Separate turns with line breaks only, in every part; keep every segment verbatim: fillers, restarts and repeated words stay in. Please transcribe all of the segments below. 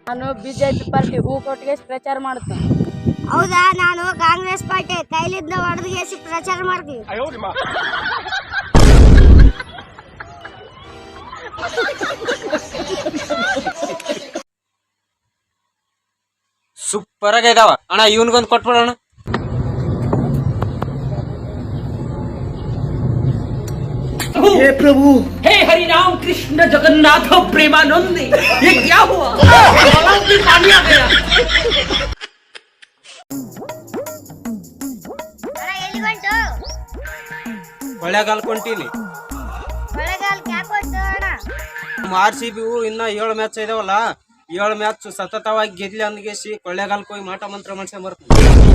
ನಾನು BJP party ಹೂ ಕೊಟ್ಟಿಗೆ ಪ್ರಚಾರ ಮಾಡ್ತೀನಿ.
ಹೌದಾ? ನಾನು ಕಾಂಗ್ರೆಸ್ ಪಾರ್ಟಿ ಕೈಲಿದ್ದ ಹೊಡೆದಿಗೆಸಿ ಪ್ರಚಾರ ಮಾಡ್ತೀನಿ.
ಸೂಪರ್ ಆಗಿ ಇದಾವ ಅಣ್ಣ. ಇವನ್ಗೊಂದು ಕೊಟ್ಬಿಡೋಣ.
हे प्रभु,
हे हरि राम कृष्ण जगन्नाथ प्रेमानंद, ये क्या हुआ? भी पानी आ गया.
ಎಲ್ಲಿಗೊಂಟು?
ಕೊಳ್ಳೇಗಾಲ ಕೊಂಟೀನಿ.
ಕೊಳ್ಳೇಗಾಲಕ್ಕೆ ಯಾಕೆ ಹೊಂಟು ಅಣ್ಣ?
ಆರ್ ಸಿ ಬಿ ಇನ್ನ ಏಳು ಮ್ಯಾಚ್ ಇದಾವಲ್ಲ, ಏಳು ಮ್ಯಾಚ್ ಸತತವಾಗಿ ಗೆದ್ಲಿ ಅಂದ್ಗೇಸಿ ಕೊಳ್ಳೇಗಾಲಕ್ಕೆ ಹೋಗಿ ಮಾಟ ಮಂತ್ರ ಮಾಡ್ಸ್ಕೊಂಡ್ ಬರ್ತೀನಿ.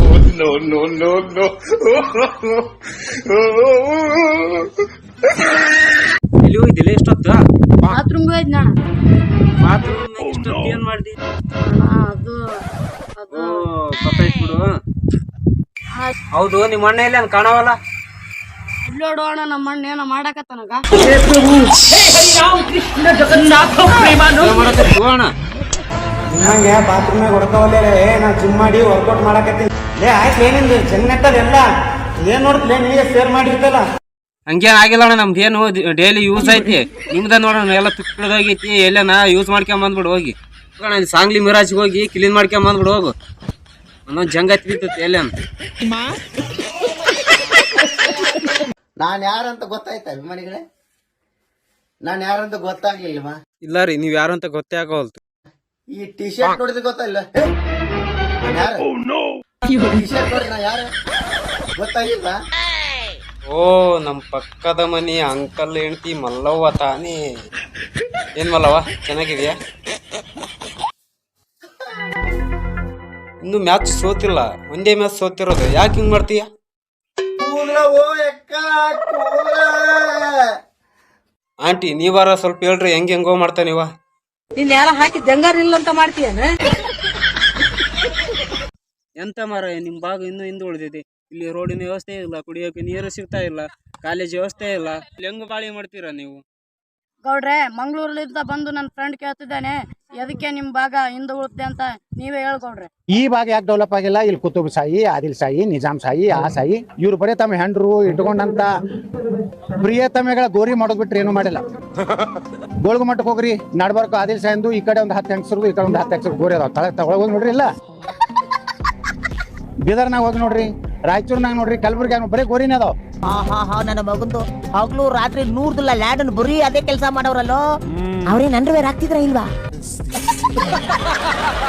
ಎಲ್ಲಿ ಹೋಗಿದ್ದಿಲ್ಲ ಇಷ್ಟೊತ್ತು?
ಬಾತ್ರೂಮ್ಗೆ ಹೋಯ್ತು ಅಣ್ಣ.
ಬಾತ್ರೂಮ್ ಇಷ್ಟೊತ್ತು ಏನ್ ಮಾಡ್ದಿ?
ಅಣ್ಣ, ಅದು ಅದು
ಗೊತ್ತಾಯ್ತು ಬಿಡು. ಹೌದು, ನಿಮ್ಮ ಅಣ್ಣ ಇಲ್ಲ ಕಾಣವಲ್ಲ?
ಇಲ್ಲೋಡು ಅಣ್ಣ, ನಮ್ಮ ಅಣ್ಣ ಏನೋ ಮಾಡಾಕತ್ತನಗ.
हे हरि राम कृष्ण जगन्नाथ प्रेमानंद.
ಅಣ್ಣ
ನಿಮ್ಮಂಗೆ ಬಾತ್ರೂಮ್ನಾಗ ಹೊಡ್ಕೋವಲ್ಲೇ ನಾ ಜಿಮ್ ಮಾಡಿ ವರ್ಕೌಟ್ ಮಾಡಕತ್ತೀನಿ. ಲೇ ಆಯ್ತು, ಏನಿಂದು ಚೆನ್ನಟ್ಟದೆಲ್ಲ ಏನ್ ನೋಡ್ತಲೇ ನಿನಗೆ ಶೇರ್ ಮಾಡಿರ್ತಲ್ಲ.
ಹಂಗೇನ್ ಆಗಿಲ್ಲ ಅಣ್ಣ, ನಮ್ದು ಏನು ಡೈಲಿ ಯೂಸ್ ಐತಿ. ನಿಮ್ದ ನೋಡೋಣ ಎಲ್ಲ ತುಕ್ಕಳದಾಗೈತಿ. ಎಲ್ಲನ ಯೂಸ್ ಮಾಡ್ಕೊಂಡ್ ಬಂದ್ಬಿಡು ಹೋಗಿ. ಅಣ್ಣ ಸಾಂಗ್ಲಿ ಮಿರಾಜ್ಗೆ ಹೋಗಿ ಕ್ಲೀನ್ ಮಾಡ್ಕೊಂಡ್ ಬಂದ್ಬಿಡು ಹೋಗು. ಒಂದೊಂದು ಜಂಗ ಹತ್ಬಿಡ್ತೈತಿ ಎಲ್ಲೇನು.
ನಾನು ಯಾರಂತ ಗೊತ್ತಾಯ್ತಾ ಅಭಿಮಾನಿಗಳೇ? ನಾನು ಯಾರಂತ ಗೊತ್ತಾಗ್ಲಿಲ್ವಾ?
ಇಲ್ಲ ರೀ, ನೀವ್ ಯಾರು ಅಂತ ಗೊತ್ತೇ ಆಗೋಲ್ತು.
ಈ ಟಿ ಶರ್ಟ್ ನೋಡಿದ್ರೆ ಗೊತ್ತಾಗಿಲ್ಲ? ಟಿ ಶರ್ಟ್ ನೋಡಿ ನಾ ಯಾರು ಗೊತ್ತಾಗಿಲ್ವಾ?
ಓ, ನಮ್ ಪಕ್ಕದ ಮನಿ ಅಂಕಲ್ ಹೆಂಡತಿ ಮಲ್ಲವ್ವ ತಾನೇ. ಏನ್ ಮಲ್ಲವ್ವ, ಚೆನ್ನಾಗಿದ್ಯಾ? ಇನ್ನು ಮ್ಯಾಚ್ ಸೋತಿಲ್ಲ, ಒಂದೇ ಮ್ಯಾಚ್ ಸೋತಿರೋದು. ಯಾಕೆ ಹಿಂಗ್ ಮಾಡ್ತೀಯ?
ಕೂಗ್ಲ ಓ ಎಕ್ಕ ಕೂಗ್ಲ.
ಆಂಟಿ ನೀವಾರ ಸ್ವಲ್ಪ ಹೇಳ್ರಿ, ಹೆಂಗ್ ಹೆಂಗೋ ಮಾಡ್ತಾ ನೀವ.
ನೀನ್ ಯಾರ ಹಾಕಿ ಜಂಗಾರ ಇಲ್ಲ ಅಂತ ಮಾಡ್ತೀಯನ?
ಎಂತ ಮಾರ, ನಿಮ್ ಭಾಗ ಇನ್ನೂ ಹಿಂದೆ ಉಳಿದಿದೆ. ಇಲ್ಲಿ ರೋಡಿನ ವ್ಯವಸ್ಥೆ ಇಲ್ಲ, ಕುಡಿಯೋಕೆ ನೀರು ಸಿಗ್ತಾ ಇಲ್ಲ, ಕಾಲೇಜ್ ವ್ಯವಸ್ಥೆ ಇಲ್ಲ. ಇಲ್ಲಿ ಹೆಂಗ್ ಬಾಳಿ ಮಾಡ್ತೀರಾ ನೀವು?
ಗೌಡ್ರೆ, ಮಂಗ್ಳೂರ್ಲಿಂದ ಬಂದು ನನ್ನ ಫ್ರೆಂಡ್ ಕೇಳ್ತಿದ್ದಾನೆ, ಎದಕ್ಕೆ ನಿಮ್ ಭಾಗ ಹಿಂದೆ ಉಳಿತೆ ಅಂತ ನೀವೇ ಹೇಳ್ಕೊಡ್ರೆ.
ಈ ಭಾಗ ಯಾಕೆ ಡೆವಲಪ್ ಆಗಿಲ್ಲ? ಇಲ್ಲಿ ಕುತುಬ್ ಶಾಹಿ, ಆದಿಲ್ ಶಾಹಿ, ನಿಜಾಮ್ ಶಾಹಿ, ಆ ಶಾಹಿ ಇವ್ರು ಬರೀ ತಮ್ಮ ಹೆಂಡ್ರು ಇಟ್ಕೊಂಡಂತ ಪ್ರಿಯತಮೆಗಳ ಗೋರಿ ಮಾಡೋದ್ ಬಿಟ್ರೆ ಏನು ಮಾಡಿಲ್ಲ. ಗೋಳ್ಗು ಮಟ್ಟಕ್ಕೆ ಹೋಗ್ರಿ, ನಡ್ಬರ್ಕು ಆದಿಲ್ ಶಾಹಿಂದು ಈ ಕಡೆ ಒಂದು ಹತ್ತು ಹೆಂಗಸರು, ಈ ಕಡೆ ಒಂದು ಹತ್ತು ಹೆಂಗಸರು ಗೋರಿ ಅದಾವ. ತಳ ತಗೊಳಗೋಗಿ ನೋಡ್ರಿ. ಇಲ್ಲ ಬೀದರ್ನಾಗ ಹೋಗಿ ನೋಡ್ರಿ, ರಾಯಚೂರ್ನಾಗ ನೋಡ್ರಿ, ಕಲಬುರ್ಗಿಯಾಗ ಬರೀ ಗೋರಿನೇ ಅದಾವ.
ಹಾ ಹಾ ಹಾ ನನ್ನ ಮಗಂದು ಹಗ್ಲು ರಾತ್ರಿ ನೂರ್ದಿಲ್ಲ ಲ್ಯಾಡನ್ ಬರೀ ಅದೇ ಕೆಲಸ ಮಾಡೋರಲ್ಲೋ. ಅವ್ರೇನ್ ಅಂಡರ್ವೇರ್ ಆಗ್ತಿದ್ರ ಇಲ್ವಾ?